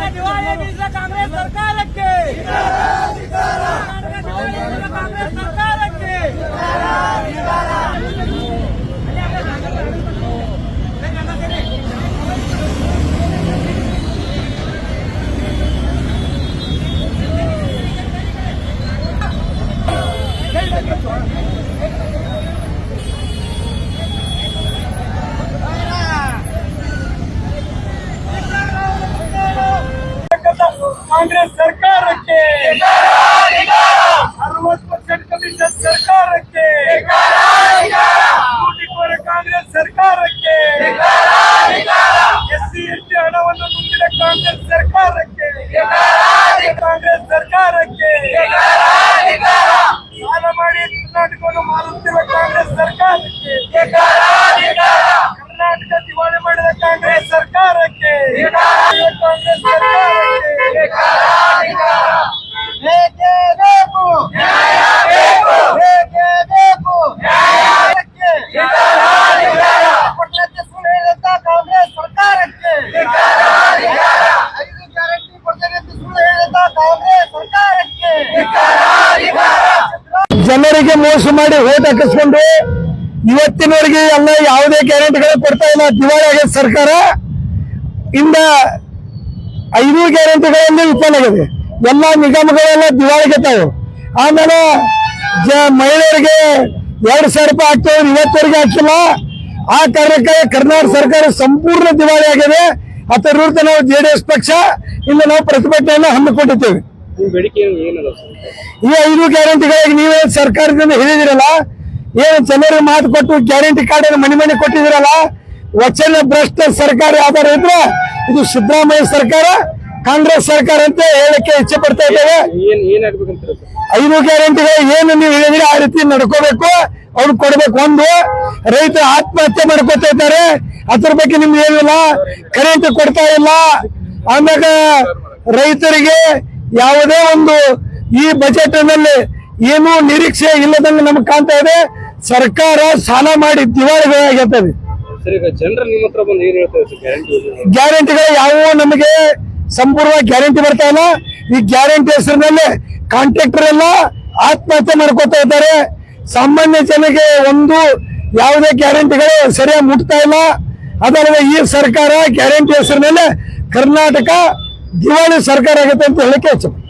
ದಿವಾಳಿ ಬೀಳಿಸಿದ ಕಾಂಗ್ರೆಸ್ ಸರ್ಕಾರಕ್ಕೆ ಕಾಂಗ್ರೆಸ್ ಸರ್ಕಾರಕ್ಕೆ ಕಾಂಗ್ರೆಸ್ ಸರ್ಕಾರಕ್ಕೆ 60% ಕಮಿಷನ್ ಸರ್ಕಾರಕ್ಕೆ ಲೂಟಿಕೋರ ಕಾಂಗ್ರೆಸ್ ಸರ್ಕಾರಕ್ಕೆ ಎಸ್ಸಿ ಎಸ್ಟಿ ಹಣವನ್ನು ನುಂಗಿದ ಕಾಂಗ್ರೆಸ್ ಸರ್ಕಾರಕ್ಕೆ ಕಾಂಗ್ರೆಸ್ ಸರ್ಕಾರಕ್ಕೆ ಸಾಲ ಮಾಡಿ ಕರ್ನಾಟಕವನ್ನು ಮಾರುತ್ತಿರುವ ಕಾಂಗ್ರೆಸ್ ಸರ್ಕಾರಕ್ಕೆ ಕರ್ನಾಟಕ ದಿವಾಳಿ ಮಾಡಿದ ಕಾಂಗ್ರೆಸ್ ಸರ್ಕಾರಕ್ಕೆ ಕಾಂಗ್ರೆಸ್ ಜನರಿಗೆ ಮೋಸ ಮಾಡಿ ಓಟ್ ಹಾಕಿಸ್ಕೊಂಡು ಇವತ್ತಿನವರೆಗೆ ಎಲ್ಲ ಯಾವುದೇ ಗ್ಯಾರಂಟಿಗಳು ಕೊಡ್ತಾ ಇಲ್ಲ. ದಿವಾಳಿ ಆಗೈತೆ ಸರ್ಕಾರ. ಇಂದ 5 ಗ್ಯಾರಂಟಿಗಳಲ್ಲಿ ವಿಫಲ ಆಗಿದೆ. ಎಲ್ಲ ನಿಗಮಗಳೆಲ್ಲ ದಿವಾಳಿಗೆತಾವು. ಆಮೇಲೆ ಮಹಿಳೆಯರಿಗೆ 2,000 ರೂಪಾಯಿ ಹಾಕ್ತೇವೆ, ಇವತ್ತವರೆಗೆ ಹಾಕಿಲ್ಲ. ಆ ಕಾರಣಕ್ಕೆ ಕರ್ನಾಟಕ ಸರ್ಕಾರ ಸಂಪೂರ್ಣ ದಿವಾಳಿ ಆಗಿದೆ. ಅದರ ವಿರುದ್ಧ ನಾವು JDS ಪಕ್ಷ ಇಂದು ನಾವು ಪ್ರತಿಭಟನೆಯನ್ನು ಹಮ್ಮಿಕೊಂಡಿದ್ದೇವೆ. ಈ 5 ಗ್ಯಾರಂಟಿಗಳಿಗೆ ನೀವೇ ಸರ್ಕಾರದಿಂದ ಹೇಳಿದಿರಲ್ಲ, ಏನು ಜನರಿಗೆ ಮಾತು ಕೊಟ್ಟು ಗ್ಯಾರಂಟಿ ಕಾರ್ಡ್ ಮನೆ ಕೊಟ್ಟಿದಿರಲ್ಲ, ವಚನ ಭ್ರಷ್ಟ ಸರ್ಕಾರ ಯಾವ್ದಾರು ಇದ್ರೆ ಇದು ಸಿದ್ದರಾಮಯ್ಯ ಸರ್ಕಾರ, ಕಾಂಗ್ರೆಸ್ ಸರ್ಕಾರ ಅಂತ ಹೇಳಕ್ಕೆ ಇಚ್ಛೆ ಪಡ್ತಾ ಇದ್ದೇವೆ. 5 ಗ್ಯಾರಂಟಿಗಳು ಏನು ನೀವು ಹೇಳಿದ್ರೆ ಆ ರೀತಿ ನಡ್ಕೋಬೇಕು, ಅವ್ರು ಕೊಡ್ಬೇಕು. ಒಂದು, ರೈತರು ಆತ್ಮಹತ್ಯೆ ಮಾಡ್ಕೋತಾ ಇದ್ದಾರೆ, ಅದ್ರ ಬಗ್ಗೆ ನಿಮ್ಗೆ ಏನಿಲ್ಲ, ಕರೆಂಟ್ ಕೊಡ್ತಾ ಇಲ್ಲ. ಆಮ್ಯಾಗ ರೈತರಿಗೆ ಯಾವುದೇ ಒಂದು ಈ ಬಜೆಟ್ ನಲ್ಲಿ ಏನೂ ನಿರೀಕ್ಷೆ ಇಲ್ಲದಂಗೆ ನಮ್ಗೆ ಕಾಣ್ತಾ ಇದೆ. ಸರ್ಕಾರ ಸಾಲ ಮಾಡಿ ದಿವಾಳಿಗಳಾಗಿರ್ತದೆ. ಗ್ಯಾರಂಟಿಗಳು ಯಾವುವು ನಮಗೆ ಸಂಪೂರ್ಣ ಗ್ಯಾರಂಟಿ ಬರ್ತಾ ಇಲ್ಲ. ಈ ಗ್ಯಾರಂಟಿ ಹೆಸರಿನಲ್ಲಿ ಕಾಂಟ್ರಾಕ್ಟರ್ ಎಲ್ಲ ಆತ್ಮಹತ್ಯೆ ಮಾಡ್ಕೋತಾ ಇದ್ದಾರೆ. ಸಾಮಾನ್ಯ ಜನಕ್ಕೆ ಒಂದು ಯಾವುದೇ ಗ್ಯಾರಂಟಿಗಳು ಸರಿಯಾಗಿ ಮುಟ್ತಾ ಇಲ್ಲ. ಅದಲ್ಲದೆ ಈ ಸರ್ಕಾರ ಗ್ಯಾರಂಟಿ ಹೆಸರಿನಲ್ಲಿ ಕರ್ನಾಟಕ ದಿವಾಳಿ ಸರ್ಕಾರ ಆಗುತ್ತೆ ಅಂತ ಹೇಳಿಕೆ ಹೆಚ್ಚು.